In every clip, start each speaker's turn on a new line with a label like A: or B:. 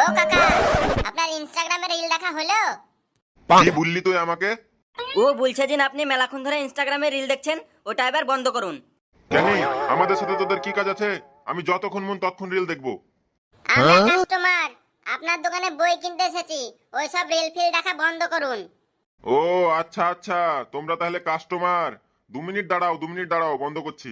A: কাকা, আপনার ইনস্টাগ্রামে রিল দেখা হলো?
B: কি বললি তুই আমাকে?
C: ও বলছে যে আপনি মেলাক্ষণ ধরে ইনস্টাগ্রামে রিল দেখছেন, ওটা এবার বন্ধ করুন।
B: কেন? আমাদের সাথে তোদের কি কাজ আছে? আমি যতক্ষণ মন ততক্ষণ রিল দেখবো।
A: আমরা কাস্টমার, আপনার দোকানে বই কিনতে এসেছি, ওইসব রিল ফিল দেখা বন্ধ করুন।
B: ও আচ্ছা আচ্ছা, তোমরা তাহলে কাস্টমার। 2 মিনিট দাঁড়াও, 2 মিনিট দাঁড়াও, বন্ধ করছি।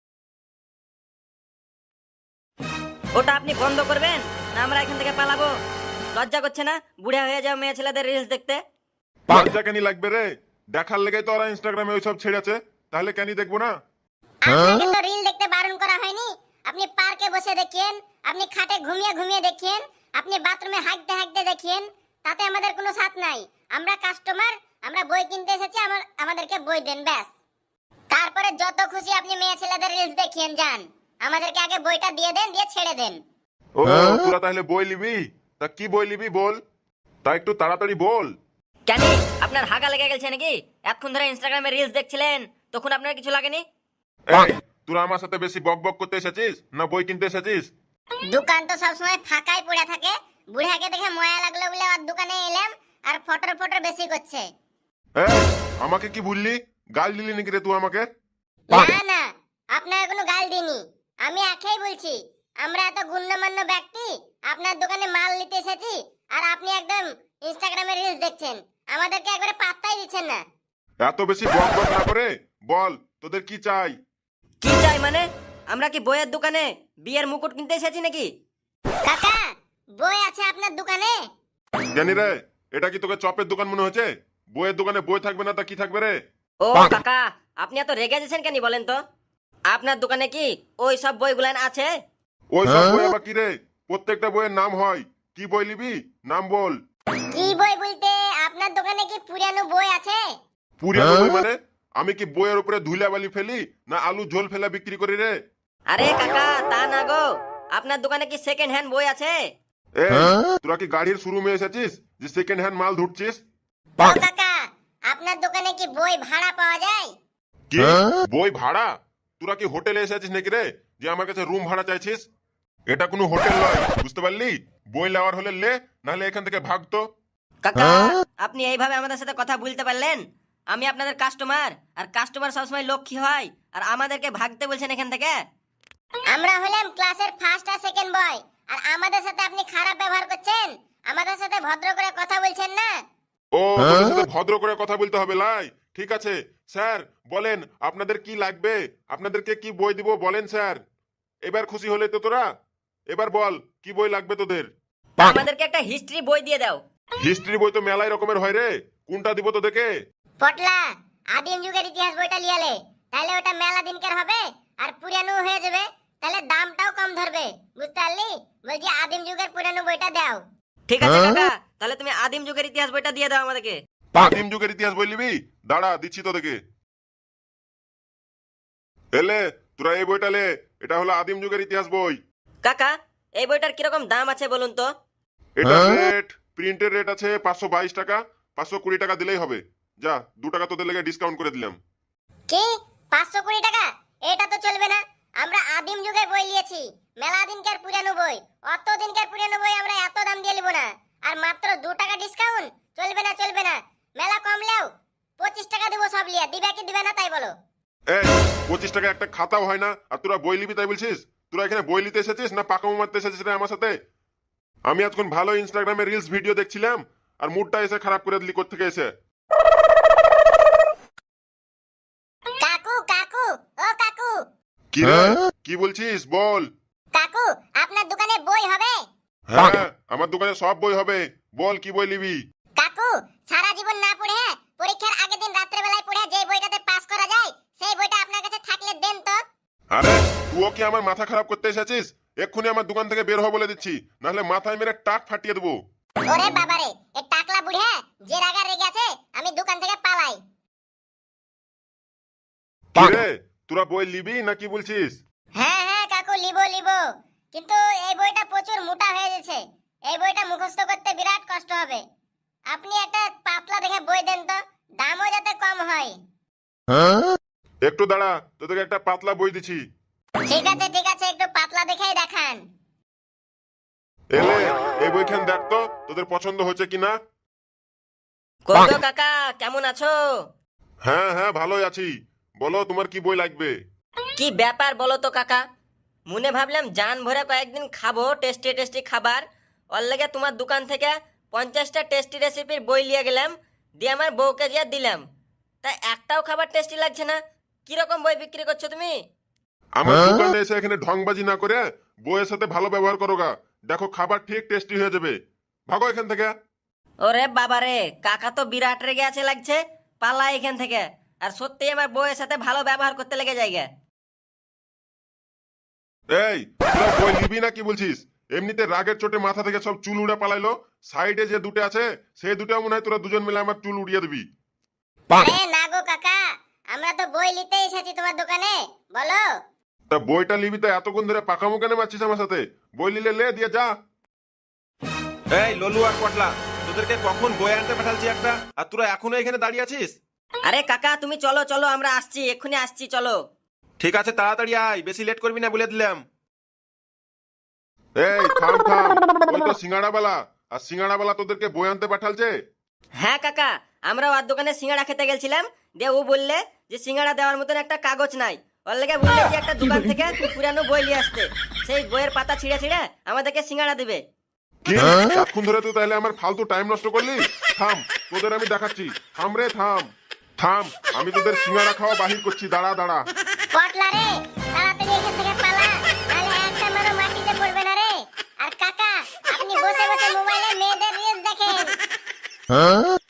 C: ওটা আপনি বন্ধ করবেন না আমরা এখান থেকে পালাবো? লজ্জা করছে না বুড়া হয়ে যাও মেয়ে ছেলেদের রিলস দেখতে?
B: লজ্জা কেন লাগবে রে? দেখার লেগে তো ওরা ইনস্টাগ্রামে ওইসব ছেড়েছে, তাহলে কেন দেখবো না?
A: আপনাকে তো রিল দেখতে বারণ করা হয়নি। আপনি পার্কে বসে দেখেন, আপনি খাটে ঘুমিয়ে ঘুমিয়ে দেখেন, আপনি বাথরুমে হাঁকতে হাঁকতে দেখেন, তাতে আমাদের কোনো সাথ নাই। আমরা কাস্টমার, আমরা বই কিনতে এসেছি, আমাদেরকে বই দেন ব্যাস। তারপরে যত খুশি আপনি মেয়ে ছেলেদের রিলস দেখিয়েন যান, আমাদেরকে আগে বইটা দিয়ে দেন, দিয়ে ছেড়ে দেন।
B: ও তোরা তাহলে বই নিবি? তা কি বই নিবি বল, তা একটু তাড়াতাড়ি বল।
C: কেন আপনার হাগা লেগে গেছে নাকি? এতক্ষণ ধরে ইনস্টাগ্রামে রিলস দেখছিলেন, তখন আপনার কিছু লাগেনি?
B: এই তোরা আমার সাথে বেশি বক বক করতে এসেছিস না বই কিনতে এসেছিস?
A: দোকান তো সবসময় ফাঁকাই পড়ে থাকে, বুড়াকে দেখে ময়া লাগলো বলে আর দোকানে এলাম, আর ফটর ফটর বেশি করছে।
B: এই আমাকে কি বললি? গাল দিলি নাকি রে তুই আমাকে?
A: না না, আপনার কোনো গাল দিনি, আমি একাই বলছি। আমরা এত গুণ্যমান্য ব্যক্তি, আপনার দোকানে মাল নিতে এসেছি, আর আপনি একদম ইনস্টাগ্রামে রিলস দেখছেন, আমাদেরকে একবারে পাত্তাই দিচ্ছেন না।
B: এত বেশি বক বক না করে বল তোদের কি চাই?
C: কি চাই মানে? আমরা কি বইয়ের দোকানে বিয়ের মুকুট কিনতে এসেছি নাকি?
A: কাকা, বই আছে আপনার দোকানে?
B: জানি রে, এটা কি তোকে চপের দোকান মনে হচ্ছে? বইয়ের দোকানে বই থাকবে না তা কি থাকবে রে?
C: ও কাকা, আপনি এত রেগে যাচ্ছেন কেন বলেন তো? আপনার দোকানে কি ওই সব বইগুলান আছে?
B: ওই সব বই আবার কি রে? প্রত্যেকটা বইয়ের নাম হয়। কি বই নিবি নাম বল।
A: কি বই বলতে আপনার দোকানে কি পুরানো বই আছে?
B: পুরানো বই মানে? আমি কি বইয়ের উপরে ধুলা বালি ফেলি না আলু ঝোল ফেলা বিক্রি করি রে?
C: আরে কাকা তা না গো, আপনার দোকানে কি সেকেন্ড হ্যান্ড বই আছে?
B: এ তোরা কি গাড়ির শোরুমে এসেছিস যে সেকেন্ড হ্যান্ড মাল ধুটছিস?
A: ও কাকা, আপনার দোকানে কি বই ভাড়া পাওয়া যায়?
B: কি বই ভাড়া? তোরা কি হোটেলে এসেছিস নাকি রে যে আমার কাছে রুম ভাড়া চাইছিস? এটা কোনো হোটেল নয়, বুঝতে পারলি? বই নেওয়ার হলে লে, নাহলে এখান থেকে ভাগতো।
C: কাকা আপনি এইভাবে আমাদের সাথে কথা বলতে পারলেন? আমি আপনাদের কাস্টমার, আর কাস্টমার সবসময় লক্ষ্মী হয়, আর আমাদেরকে ভাগতে বলছেন এখান থেকে?
A: আমরা হলাম ক্লাসের ফার্স্ট আর সেকেন্ড বয়, আর আমাদের সাথে আপনি খারাপ ব্যবহার করছেন, আমাদের সাথে ভদ্র করে কথা বলছেন না।
B: ও তোদের সাথে ভদ্র করে কথা বলতে হবে লাই? ঠিক আছে স্যার, বলেন আপনাদের কি লাগবে, আপনাদেরকে কি বই দিব বলেন স্যার। এবার খুশি হলে তো তোরা? এবার বল কি বই লাগবে তোদের?
C: আমাদেরকে একটা হিস্ট্রি বই দিয়ে দাও।
B: হিস্ট্রি বই তো মেলাই রকমের হয় রে, কোনটা দিব তোদেরকে?
A: পটলা, আদিম যুগের ইতিহাস বইটা লিয়ালে, তাহলে ওটা মেলা দিনকার হবে আর পুরানো হয়ে যাবে, তাহলে দামটাও কম ধরবে, বুঝতে পারলি? বলছি আদিম যুগের পুরানো বইটা দাও।
C: ঠিক আছে কাকা, তাহলে তুমি আদিম যুগের ইতিহাস বইটা দিয়ে দাও আমাদেরকে।
B: আদিম যুগের ইতিহাস বই নিবি? দাঁড়া দিচ্ছি তোদেরকে। এলে তোরা এই বইটা লে, এটা হলো আদিম যুগের ইতিহাস বই।
C: কাকা এই বইটার কিরকম দাম আছে বলুন তো?
B: এটা রেট, প্রিন্টের রেট আছে 522 টাকা, 520 টাকা দিলেই হবে। যা 2 টাকা তোদের লেগে ডিসকাউন্ট করে দিলাম।
A: কি 520 টাকা? এটা তো চলবে না, আমরা আদিম যুগের বই নিয়েছি, মেলা দিনকার পুরানো বই, অত দিনকার পুরানো বই আমরা এত দাম দিয়ে নিব না। আর মাত্র 2 টাকা ডিসকাউন্ট? চলবে না চলবে না, মেলা কম লেও 25 টাকা দেবো সব লিয়া, দিবে কি দিবে না তাই বলো।
B: এই 25 টাকা একটা খাতাও হয় না, আর তোরা বই নিবি তাই বলছিস? তোরা এখানে বই নিতে এসেছিস না পাকামো মারতে এসেছিস রে আমার সাথে? আমি আজকাল ভালো ইনস্টাগ্রামে রিলস ভিডিও দেখছিলাম, আর মুডটা এসে খারাপ করে দিলি কোত্থেকে এসে।
A: কাকু কাকু, ও কাকু,
B: কি রে কি বলছিস বল।
A: কাকু আপনার দোকানে বই হবে?
B: হ্যাঁ আমার দোকানে সব বই হবে, বল কি বই নিবি?
A: কাকু সারা জীবন না পড়ে পরীক্ষার আগের দিন রাত্রে বেলায় পড়ে যে বইটাতে পাস করা যায়, সেই বইটা আপনার কাছে থাকলে দেন তো।
B: আরে তুইও কি আমার মাথা খারাপ করতে এসেছিস? এক্ষুনি আমার দোকান থেকে বের হ বলে দিচ্ছি, নাহলে মাথায় মেরে টাক ফাটিয়ে দেবো।
A: ওরে বাবারে, এ টাকলা বুড়া যে রাগা রেগে আছে, আমি দোকান থেকে পালাই।
B: কি রে তোরা বই নিবি না কি বলছিস?
A: হ্যাঁ হ্যাঁ কাকু, লিবো লিবো, কিন্তু এই বইটা প্রচুর মোটা হয়ে গেছে, এই বইটা মুখস্থ করতে বিরাট কষ্ট হবে। আপনি একটা পাতলা দেখে বই দেন তো, দামও যাতে কম হয়।
B: একটু দাঁড়া, তোদেরকে একটা পাতলা বই দিচ্ছি।
A: ঠিক আছে, একটু পাতলা দেখেই দেখান।
B: এলে এই বইখান দেখ তো তোদের পছন্দ হচ্ছে কিনা।
C: কইগো কাকা, কেমন আছো?
B: হ্যাঁ হ্যাঁ ভালোই আছি, বলো তোমার কি বই লাগবে।
C: কি ব্যাপার বলো তো কাকা? মনে ভাবলাম জান ভরে কয়েকদিন খাবো টেস্টি টেস্টি খাবার, ওর লেগে তোমার দোকান থেকে 50টা টেস্টি রেসিপির বই নিয়ে গেলাম, দিয়ে আমার বউকে দিয়ে দিলাম। তা একটাও খাবার টেস্টি লাগছে না। কিরকম বই বিক্রি করছো তুমি?
B: আমার দোকানে এসে এখানে ঢংবাজি না করে বইয়ের সাথে ভালো ব্যবহার করো গা, দেখো খাবার ঠিক টেস্টি হয়ে যাবে। ভাগো এখান থেকে।
C: ওরে বাবারে, কাকা তো বিরাট রেগে আছে লাগছে, পালা এখান থেকে। আর সত্যি আমার বউয়ের সাথে ভালো ব্যবহার করতে লেগে যায়গা।
B: এই তোরা বই নিবি না কি বলছিস? এমনিতে রাগের চোটে মাথা থেকে সব চুল উড়ে পালাইলো, সাইডে যে দুটো আছে সেই দুটো মনে হয় তোরা দুজন মিলে আমার চুল উড়িয়ে দিবি।
A: আরে না গো কাকা, আমরা তো বই নিতে এসেছি তোমার দোকানে, বলো।
B: তা বইটা নিবি তো এতক্ষণ ধরে পাকামো কেন মারছিস আমার সাথে? বই নিলে লে দিয়ে যা।
D: এই ললু আর পটলা, তোদেরকে কখন বই আনতে পাঠালছি একটা, আর তোরা এখনো এখানে দাঁড়িয়ে আছিস?
C: আরে কাকা তুমি চলো চলো, আমরা আসছি, এক্ষুনি আসছি, চলো।
D: ঠিক আছে তাড়াতাড়ি আয়, বেশি লেট করবি না বলে দিলাম।
B: এই থাম থাম, ওই তো সিঙ্গাড়াওয়ালা, আর সিঙ্গাড়াওয়ালা তোদেরকে বই আনতে পাঠালছে।
C: হ্যাঁ কাকা, আমরা ওর দোকানে সিঙ্গাড়া খেতে গেছিলাম, দিয়ে ও বললে যে সিঙ্গাড়া দেওয়ার মতন একটা কাগজ নাই, ওর লেগে বললে যে একটা দোকান থেকে পুরানো বই নিয়ে আসতে, সেই বইয়ের পাতা ছিঁড়ে ছিঁড়ে আমাদেরকে সিঙ্গাড়া দিবে।
B: কি এতক্ষণ ধরে তুই তাহলে আমার ফালতু টাইম নষ্ট করলি? থাম, তোদের আমি দেখাচ্ছি। থাম রে থাম থাম, আমি তোদের সিঙ্গাড়া খাওয়া বাহির করছি, দাঁড়া দাঁড়া।
A: পটলা রে, তাড়াতাড়ি এখান থেকে পালা, নাহলে একটা মারো মাটিতে পড়বে না রে। আর কাকা, আপনি বসে বসে মোবাইলে মেয়েদের রিলস দেখেন।